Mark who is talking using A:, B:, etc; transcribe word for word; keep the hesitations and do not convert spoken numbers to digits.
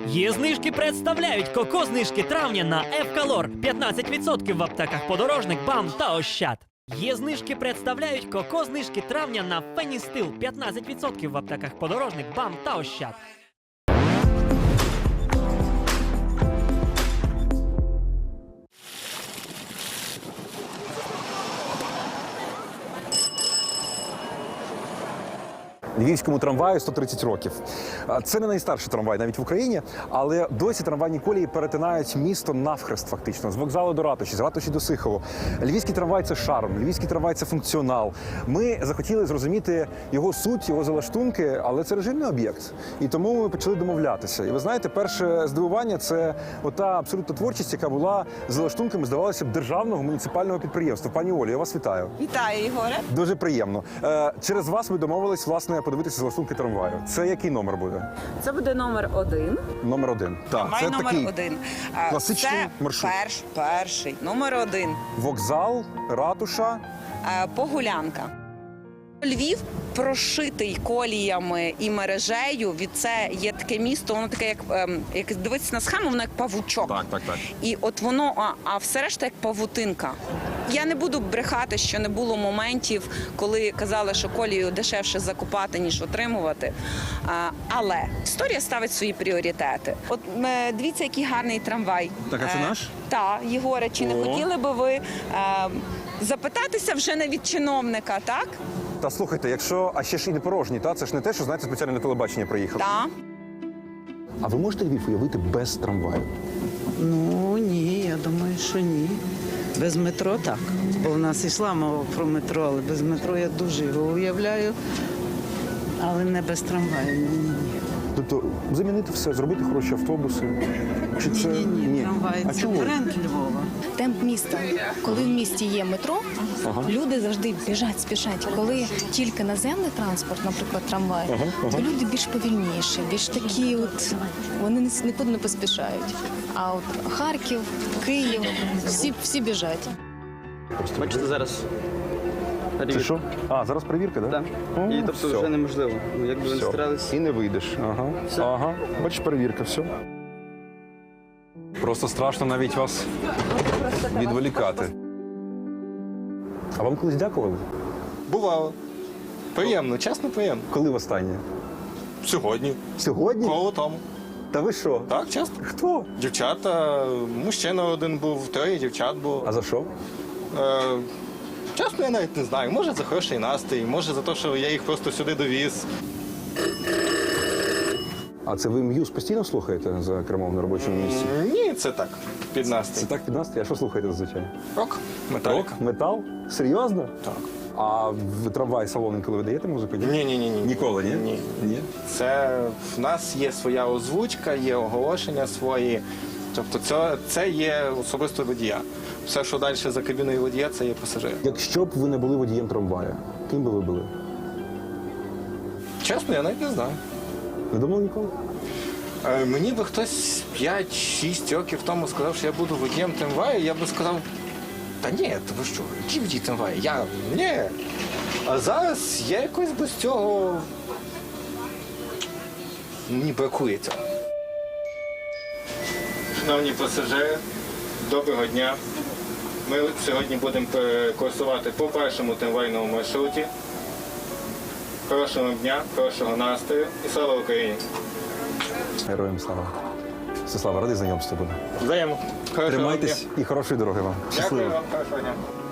A: Є знижки представляють коко-знижки травня на Евкалор. п'ятнадцять відсотків в аптеках Подорожник, БАМ та Ощад. Є знижки представляють коко-знижки травня на Феністил. п'ятнадцять відсотків в аптеках Подорожник, БАМ та Ощад.
B: Львівському трамваю сто тридцять років. Це не найстарший трамвай навіть в Україні, але досі трамвайні колії перетинають місто навхрест фактично, з вокзалу до ратуші, з ратуші до Сихову. Львівський трамвай – це шарм, львівський трамвай – це функціонал. Ми захотіли зрозуміти його суть, його залаштунки, але це режимний об'єкт. І тому ми почали домовлятися. І ви знаєте, перше здивування – це ота абсолютно творчість, яка була залаштунками, здавалося б, державного муніципального підприємства. Пані Олі, я вас вітаю.
C: Вітаю, Ігоре.
B: Дуже приємно. Е, через вас ми домовились, власне, подивитися залаштунки трамваю. Це який номер буде?
C: Це буде номер один.
B: Номер один. Так,
C: Трамвай
B: це
C: номер
B: такий
C: один. А,
B: класичний
C: це
B: маршрут.
C: Перш, перший, номер один.
B: Вокзал, ратуша.
C: А, Погулянка. Львів прошитий коліями і мережею. Від це є таке місто, воно таке, як, ем, як дивитися на схему, воно як павучок.
B: Так, так, так.
C: І от воно, а, а все решта як павутинка. Я не буду брехати, що не було моментів, коли казали, що колію дешевше закупати, ніж отримувати. А, але історія ставить свої пріоритети. От е, дивіться, який гарний трамвай.
B: Так, а це
C: Е,
B: наш?
C: Так, Єгоре, чи не
B: О.
C: хотіли би ви е, запитатися вже не від чиновника, так?
B: Та слухайте, якщо, а ще ж і не порожній, та? Це ж не те, що, знаєте, спеціально на телебачення приїхав.
C: Так.
B: А ви можете Львів уявити без трамваю?
D: Ну ні, я думаю, що ні. Без метро так. Бо в нас йшла мова про метро, але без метро я дуже його уявляю. Але не без трамваю. Ні, ні, ні.
B: Тобто замінити все, зробити хороші автобуси? Чи це...
D: Ні, ні, ні. Трамвай
B: А
D: це
B: чому?
D: бренд Львова.
E: Темп міста. Коли в місті є метро, люди завжди біжать, спішать. Коли тільки наземний транспорт, наприклад, трамвай, то люди більш повільніші, більш такі, от вони не- нікуди не поспішають. А от Харків, Київ, всі, всі біжать.
F: Бачите, зараз
B: Це
F: перевірка.
B: що? А, зараз перевірка, так?
F: Так.
B: О,
F: І тобто
B: все.
F: вже неможливо. Ну, якби ви не
B: Все.
F: старались.
B: І не вийдеш. Ага.
F: Все.
B: Ага. Бачиш, перевірка, все. Просто страшно навіть вас відволікати. А вам колись дякували?
G: Бувало. Приємно, чесно приємно.
B: Коли востаннє?
G: Сьогодні.
B: Сьогодні?
G: Коло тому.
B: Та ви що?
G: Так, чесно.
B: Хто?
G: Дівчата, мужчина один був, троє дівчат було.
B: А за що?
G: Е, чесно, я навіть не знаю. Може за хороший настрій, може за те, що я їх просто сюди довіз.
B: А це ви М'юз постійно слухаєте за кермом на робочому місці?
G: Ні, це так, під
B: Це
G: настрій.
B: так під настрій? А що слухаєте зазвичай?
G: Рок, металік.
B: Метал? Серйозно?
G: Так.
B: А в трамвай салони, коли ви даєте музику?
G: Ні, ні, ні, ні.
B: Ніколи, ні?
G: Ні.
B: Ні?
G: Це в нас є своя озвучка, є оголошення свої. Тобто це, це є особисто водія. Все, що далі за кабіною водія, це є пасажир.
B: Якщо б ви не були водієм трамвая, ким би ви були?
G: Чесно, я навіть не знаю.
B: Не думали ніколи?
G: Е, Мені би хтось п'ять-шість років тому сказав, що я буду водієм трамваю, я би сказав, та ні, то ви що, який водій трамваю? Я, ні. А зараз я якось без цього мені бракує цього. Шановні пасажири, доброго дня. Ми сьогодні будемо курсувати по першому трамвайному маршруті. Хорошого дня, хорошого настрою і слава Україні!
B: Героям слава. Всеслава, радий знайомству буде.
G: Взаємно. Хорошого
B: Тримайтесь
G: дня.
B: і хорошої дороги вам.
G: Дякую вам, хорошого дня.